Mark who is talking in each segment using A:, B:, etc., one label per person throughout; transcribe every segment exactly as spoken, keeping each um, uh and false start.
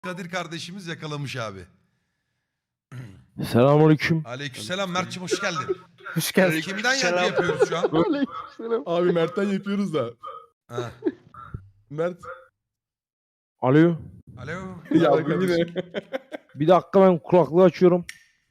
A: Kadir kardeşimiz yakalamış abi.
B: Selamünaleyküm.
A: Aleykümselam Mert'cim, hoş geldin.
B: Hoş geldin.
A: Kimden yankı yapıyoruz şu an?
C: Abi Mert'ten yapıyoruz da.
A: Ha.
C: Mert.
B: Alo.
A: Alo.
C: Ya
D: Merhaba
C: bu yine.
B: Bir dakika ben kulaklığı açıyorum.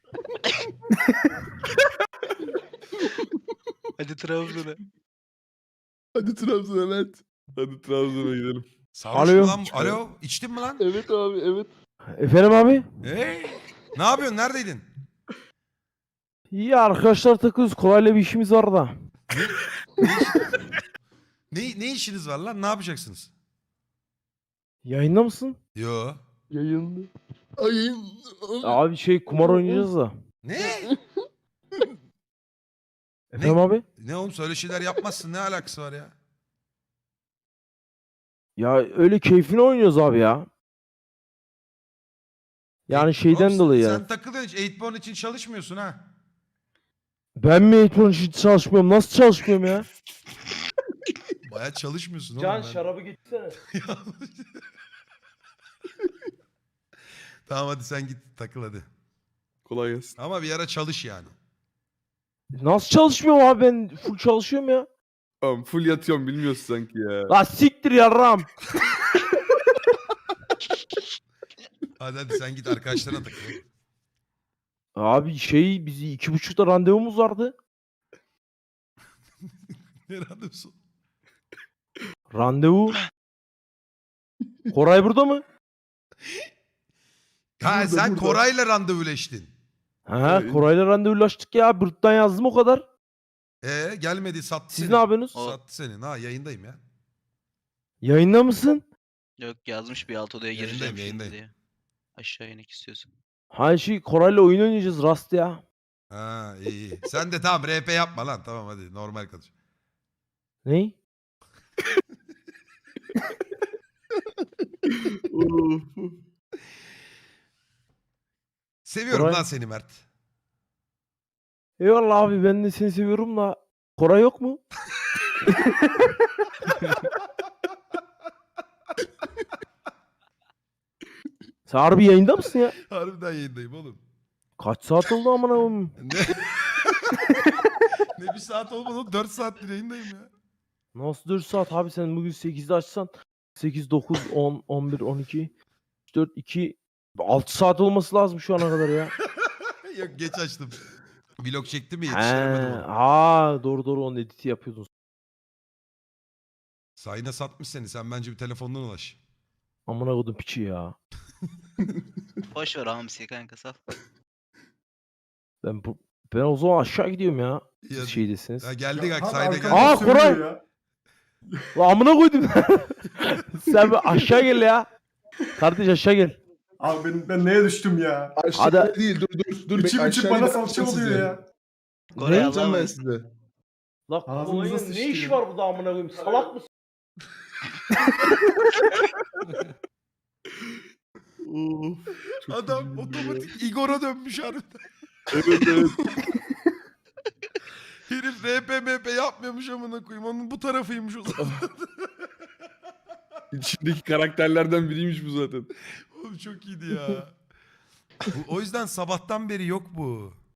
D: Hadi Trabzon'a.
C: Hadi Trabzon'a Mert. Hadi Trabzon'a gidelim.
A: Sarhoş
B: Alo.
A: mu lan? Alo. İçtin mi lan?
C: Evet abi evet.
B: Efendim abi?
A: Hey. Ne yapıyorsun? Neredeydin?
B: İyi arkadaşlar takıyoruz. Kolayla bir işimiz var da.
A: Ne, ne işiniz var lan? Ne yapacaksınız?
B: Yayında mısın?
A: Yo.
C: Yayınlı. Ayın.
B: Abi şey kumar oynayacağız da.
A: Ne?
B: Efendim abi?
A: Ne oğlum, söyle şeyler yapmazsın. Ne alakası var ya?
B: Ya öyle keyfine oynuyoruz abi ya. Yani şeyden
A: Oğlum,
B: dolayı
A: sen,
B: yani.
A: sen takılıyorsun hiç. Eightborn için çalışmıyorsun ha.
B: Ben mi eğitim için çalışmıyorum? Nasıl çalışmıyorum ya?
A: Baya çalışmıyorsun oğlum. ben-
B: getirsene.
A: Tamam hadi sen git takıl hadi.
C: Kolay gelsin.
A: Ama bir ara çalış yani.
B: Nasıl çalışmıyorum abi, ben full çalışıyorum ya.
C: Tamam full yatıyorum bilmiyorsun sanki ya.
B: La siktir yarram.
A: Hadi hadi sen git arkadaşlarına takıl.
B: Abi şey bizi iki buçukta randevumuz vardı.
A: Ne randevusu?
B: Randevu. Koray burada mı?
A: Ha
C: Burada,
A: sen
C: burada.
A: Koray'la randevuleştin.
B: Ha,
C: Evet.
B: Koray'la randevulaştık ya. Bırt'tan yazdım o kadar.
A: Ee gelmedi, sattı
B: Siz
A: seni.
B: ne yapıyorsunuz?
D: O-
A: Sattı seni. Ha yayındayım ya.
B: Yayında mısın?
D: Yok, yazmış bir alt odaya
A: Yayındayım,
D: gireceğim şimdi
A: yayındayım.
D: diye. Aşağı inek istiyorsun.
B: Ha şey Koray'la oyun oynayacağız Rast ya.
A: Ha iyi iyi. Sen de tamam R P yapma lan. Tamam hadi normal konuş.
B: Ney?
C: Of.
A: Seviyorum
B: Koray-
A: lan seni Mert.
B: Eyvallah abi, ben de seni seviyorum da. Koray yok mu? Sen harbi yayında mısın ya?
A: Harbiden yayındayım oğlum.
B: Kaç saat oldu amına koyayım?
A: Ne? Ne bir saat olmadı oğlum. dört saattir yayındayım ya.
B: Nasıl dört saat abi, sen bugün sekizde açsan sekiz, dokuz, on, on bir, on iki, üç, dört, iki, altı saat olması lazım şu ana kadar ya.
A: Yok geç açtım. Vlog çektim mi
B: He,
A: yetiştiremedim onu.
B: ha doğru doğru, onun editi yapıyordun.
A: Sayına satmış seni. Sen bence bir telefondan ulaş.
B: Amına koydum piçi ya.
D: Boş ver hamsi kanka, sal.
B: Ben bu ben o zaman aşağı gidiyorum ya.
A: Ya-
B: Siz şeydesiniz.
A: Ya geldik
E: Ya,
A: bak
E: abi
A: sayda
E: arkadan
A: geldik.
B: Aa,
E: sövüyor
B: Koray!
E: ya.
B: Lan amına koydum. Sen bir aşağı gel ya. Kardeş aşağı gel.
E: Abi ben, ben neye düştüm ya?
C: Aşağıda
B: Hadi.
C: değil dur dur. dur
E: İçim
C: bek-
E: içim
C: aşağıya
E: bana
C: gidip
E: salça
C: atacağım
E: oluyor
C: sizi.
E: ya.
D: Koray
C: Ne yapacağım
D: Allah'a
C: ben
D: emanet.
C: size?
B: Lan
E: Ağzınıza
B: Koray'ın
E: sıçtı
B: ne işi
E: ya.
B: var burada amına koyayım? Salak mısın?
C: Of. Çok
A: Adam
C: üzüldüm ya.
A: otomatik Igor'a dönmüş harbiden.
C: Evet evet.
A: Herif R P M P yapmıyormuş amına koyayım. Onun bu tarafıymış o zaman.
C: İçindeki karakterlerden biriymiş bu zaten.
A: Oğlum çok iyiydi ya. Bu- o yüzden sabahtan beri yok bu.